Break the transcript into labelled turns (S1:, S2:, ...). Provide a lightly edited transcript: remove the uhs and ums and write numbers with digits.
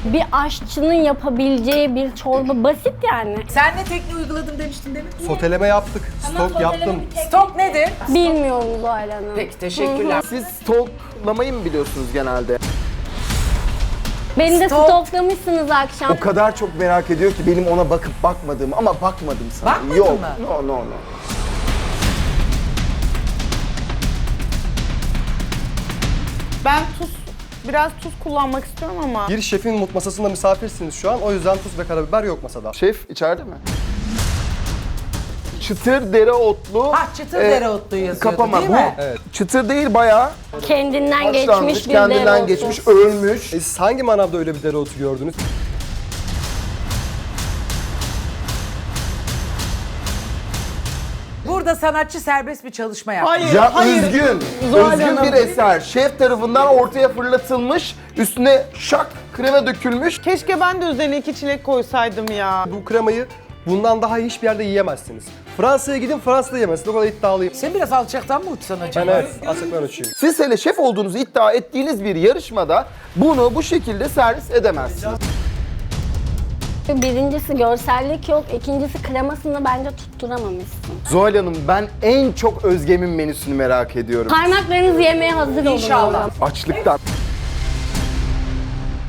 S1: Bir aşçının yapabileceği bir çorba basit yani.
S2: Sen ne tekniği uyguladım demiştin demin?
S3: Soteleme yaptık, stok yaptım.
S2: Stok nedir?
S1: Bilmiyorum Zuhal Hanım.
S2: Peki teşekkürler.
S4: Siz stoklamayı mı biliyorsunuz genelde?
S1: Beni de
S2: Stok.
S1: stoklamışsınız akşam.
S4: O kadar çok merak ediyor ki benim ona bakıp bakmadığımı ama bakmadım sana.
S2: Bakmadın
S4: Yok.
S2: mı?
S4: No.
S5: Ben biraz tuz kullanmak istiyorum ama.
S3: Bir şefin masasında misafirsiniz şu an. O yüzden tuz ve karabiber yok masada.
S4: Şef içeride mi? Çıtır dereotlu.
S2: Çıtır dereotlu yazıyordu
S4: Kapama
S2: değil
S4: bu.
S2: mi?
S3: Evet.
S4: Çıtır değil bayağı.
S1: Kendinden geçmiş
S4: Haşlanmış,
S1: bir
S4: kendinden
S1: dereotu.
S4: geçmiş, ölmüş.
S3: Siz hangi manavda öyle bir dereotu gördünüz?
S2: Burada sanatçı serbest bir çalışma yaptı.
S4: Ya üzgün bir eser. Şef tarafından ortaya fırlatılmış, üstüne şak krema dökülmüş.
S5: Keşke ben de üzerine 2 çilek koysaydım ya.
S3: Bu kremayı bundan daha iyi hiçbir yerde yiyemezsiniz. Fransa'ya gidin, Fransa'da yemezsiniz. O kadar iddialıyım.
S2: Sen biraz alçaktan mı uçsan
S3: Ben
S2: acaba?
S3: evet, asıktan uçuyum.
S4: Siz hele şef olduğunuzu iddia ettiğiniz bir yarışmada bunu bu şekilde servis edemezsiniz.
S1: Birincisi görsellik yok, ikincisi kremasını bence tutturamamışsın.
S4: Zuhal Hanım, ben en çok Özgem'in menüsünü merak ediyorum.
S1: Parmaklarınızı yemeye hazır olun.
S2: İnşallah.
S4: Açlıktan.